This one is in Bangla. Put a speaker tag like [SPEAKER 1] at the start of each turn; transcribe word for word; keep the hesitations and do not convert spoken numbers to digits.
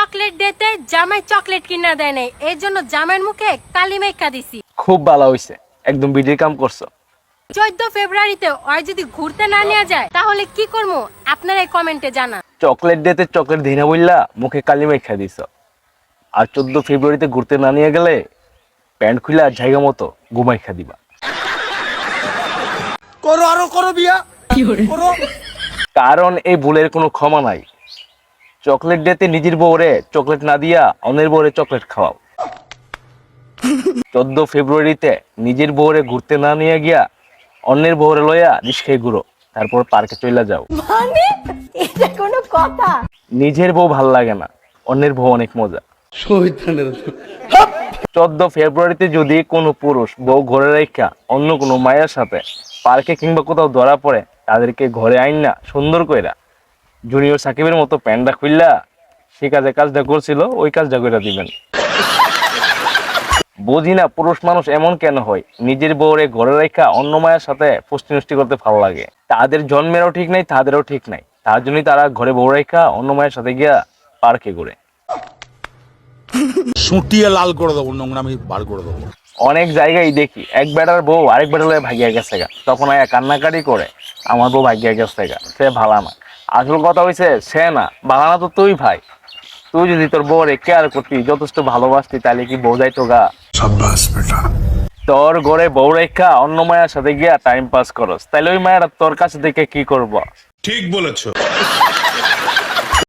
[SPEAKER 1] চকলেট দিতে জামাই চকলেট কিনা দেয় নাই, এই জন্য জামাইয়ের মুখে কালি মাইখা দিছি।
[SPEAKER 2] খুব ভালো হইছে, একদম বিডির কাম করছো।
[SPEAKER 1] চোদ্দ ফেব্রুয়ারিতে ওই যদি ঘুরতে না নিয়ে যায় তাহলে কি করবো আপনারা কমেন্টে জানান।
[SPEAKER 2] চকলেট দিতে চকলেট দিনা বললা মুখে কালি মাইখা দিছ, আর চোদ্দ ফেব্রুয়ারিতে ঘুরতে না নিয়ে গেলে প্যান্ট খুলে জায়গা মতো ঘুমাইখা দিবা।
[SPEAKER 3] করো আরো করো বিয়া করো।
[SPEAKER 2] কারণ এই ভুলের কোনো ক্ষমা নাই। চকলেট দিতে নিজের বউরে চকলেট না দিয়া অন্যের বউরে চকলেট খাওয়াও। চোদ্দ ফেব্রুয়ারিতে নিজের বউরে ঘুরতে না নিয়ে গিয়া অন্যের বউরে লইয়া রিস্কায় ঘুরো, তারপর পার্কে চলে যাও।
[SPEAKER 1] মানে এটা কোনো কথা?
[SPEAKER 2] নিজের বউ ভাল লাগে না, অন্যের বউ অনেক মজা। চোদ্দ ফেব্রুয়ারিতে যদি কোনো পুরুষ বউ ঘরে রেখা অন্য কোনো মায়ের সাথে পার্কে কিংবা কোথাও ধরা পড়ে, তাদেরকে ঘরে আইন না সুন্দর কইরা জুনিয়র সাকিবের মতো প্যান্ডা খুললা সে কাজে কাজটা করছিল ওই কাজটা কইরা দিবেন। বুঝি না পুরুষ মানুষ এমন কেন হয়, নিজের বউরে ঘরে রেখা অন্য মায়ের সাথে পুষ্টি নষ্টি করতে ভালো লাগে। তাদের জন্মেরও ঠিক নাই, তাদেরও ঠিক নাই, তার জন্যই তারা ঘরে বউ রেখা অন্য মায়ের সাথে গিয়া পার্কে ঘুরে।
[SPEAKER 3] সুটিয়ে লাল করে দেবো, নোংরামি বার করে দেবো।
[SPEAKER 2] অনেক জায়গায় দেখি এক বেটার বউ আরেক বেটার লয়ে ভাগিয়া গেছে গা, তখন আয়া কান্নাকাটি করে আমার বউ ভাগিয়া গেছে গা, সে ভালা না। আসল কথা হইছে সে না, ভালা না তো তুই ভাই। তুই যদি তোর বউরে কেয়ার করতি, যথেষ্ট ভালোবাসতি, তাহলে কি বউ যাইতো গা?
[SPEAKER 3] সাব্বাস বেটা।
[SPEAKER 2] তোর ঘরে বউ রেখা অন্য মায়ের সাথে গিয়া টাইম পাস করস, তাহলে ওই মায়েরা তোর কাছে থেকে কি করবো?
[SPEAKER 3] ঠিক বলেছো।